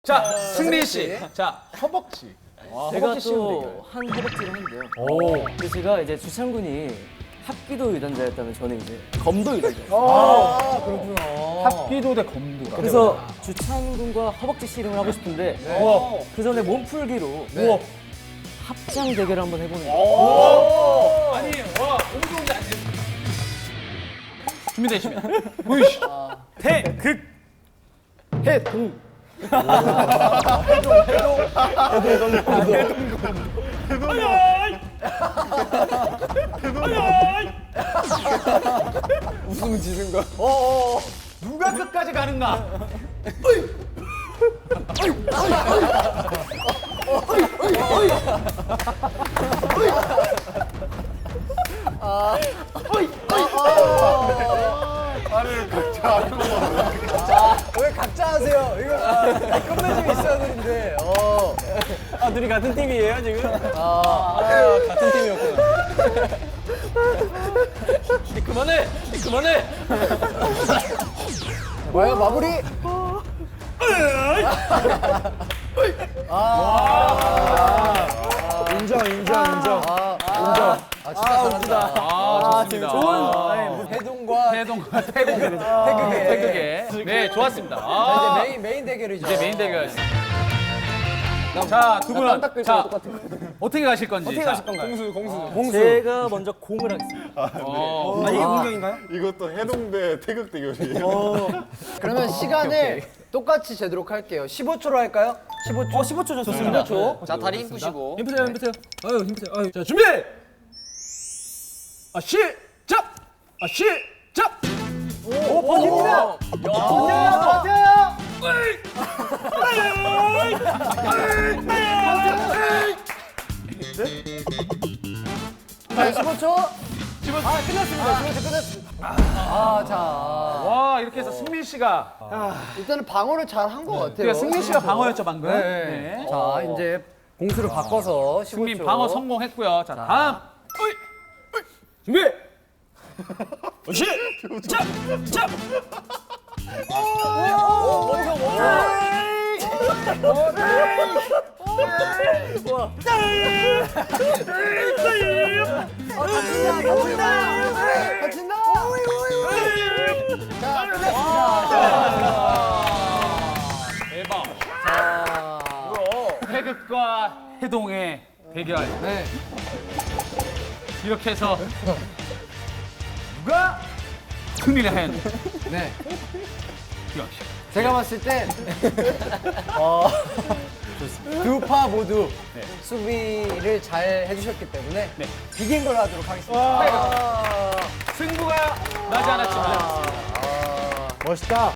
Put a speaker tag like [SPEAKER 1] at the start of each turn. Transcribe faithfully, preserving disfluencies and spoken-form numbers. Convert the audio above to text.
[SPEAKER 1] 자, 승민 씨. 자, 허벅지.
[SPEAKER 2] 제가 또 한 허벅지를 했는데요. 오. 그래서 제가 이제 주창군이 합기도 유단자였다면 저는 이제 검도 유단자였어요.
[SPEAKER 3] 아, 그렇구나.
[SPEAKER 1] 합기도 대 검도.
[SPEAKER 2] 그래서 주창군과 허벅지 씨름을 하고 싶은데
[SPEAKER 1] 네.
[SPEAKER 2] 그 전에 몸풀기로
[SPEAKER 1] 네.
[SPEAKER 2] 합장 대결을 한번 해보는 거예요.
[SPEAKER 1] 아니, 와, 옹종이 안 돼. 준비되시면 보이시죠. 태극
[SPEAKER 2] 해동.
[SPEAKER 3] 웃으면 지는 거.
[SPEAKER 1] 누가 끝까지 가는가?
[SPEAKER 3] 왜 각자 하세요? 이거 끝맺음이 있어야 되는데. 어.
[SPEAKER 2] 아 둘이 같은 팀이에요 지금?
[SPEAKER 3] 아, 같은 팀이었구나.
[SPEAKER 2] 그만해. 그만해.
[SPEAKER 3] 뭐야 마무리? 아. 인정 인정 인정. 아, 인정. 아 진짜 잘한다.
[SPEAKER 1] 아, 좋습니다.
[SPEAKER 2] 좋은.
[SPEAKER 3] 해동과
[SPEAKER 1] 태동과 태국.
[SPEAKER 3] 태극의.
[SPEAKER 1] 태극의. 네, 좋았습니다.
[SPEAKER 3] 자,
[SPEAKER 1] 아,
[SPEAKER 3] 이제 메인 메인 대결이죠.
[SPEAKER 1] 이제 메인 대결. 자, 두 분은 자, 어떻게 가실 건지. 어떻게 가실 건가요?
[SPEAKER 2] 공수. 제가 먼저 공을 하겠습니다.
[SPEAKER 1] 어,
[SPEAKER 2] 아 이게 공격인가요?
[SPEAKER 4] 이것도 해동대 태극 대결이에요.
[SPEAKER 3] 그러면 시간을 똑같이 제도록 할게요. 십오 초로 할까요? 십오 초.
[SPEAKER 2] 어 십오 초 좋습니다.
[SPEAKER 3] 십오 초.
[SPEAKER 2] 자 다리 힘 푸시고.
[SPEAKER 1] 힘프세요, 힘프세요. 아유, 힘프세요. 아유. 자, 준비! 아, 시작! 아, 시작!
[SPEAKER 3] 오, 버팁니다. 버텨요, 버텨요. 자, 십오 초. 아, 끝났습니다. 십오 초 끝났습니다. 아, 자.
[SPEAKER 1] 와, 이렇게 해서 승민 씨가.
[SPEAKER 3] 일단은 방어를 잘 한 것 같아요.
[SPEAKER 1] 그러니까 승민 씨가 방어였죠, 방금.
[SPEAKER 3] 네.
[SPEAKER 1] 네.
[SPEAKER 3] 자, 이제 공수를 바꿔서 십오 초.
[SPEAKER 1] 승민 방어 성공했고요. 자, 다음. 어이, 어이, 준비! 어, 시작! 자!
[SPEAKER 3] 버텨, 버텨. 아, 다친다, 다친다. 다친다. 자, 끝났습니다.
[SPEAKER 1] 대박.
[SPEAKER 3] 자,
[SPEAKER 1] 태극과 해동의 대결.
[SPEAKER 3] 네.
[SPEAKER 1] 이렇게 해서 누가 승리를 했는지.
[SPEAKER 3] 네.
[SPEAKER 1] 역시.
[SPEAKER 3] 제가 봤을 때 어, 두 파 모두 수비를 잘 해주셨기 때문에
[SPEAKER 1] 네.
[SPEAKER 3] 비긴 걸로 하도록 하겠습니다.
[SPEAKER 1] 승부가 나지 않았지만
[SPEAKER 3] 멋있다.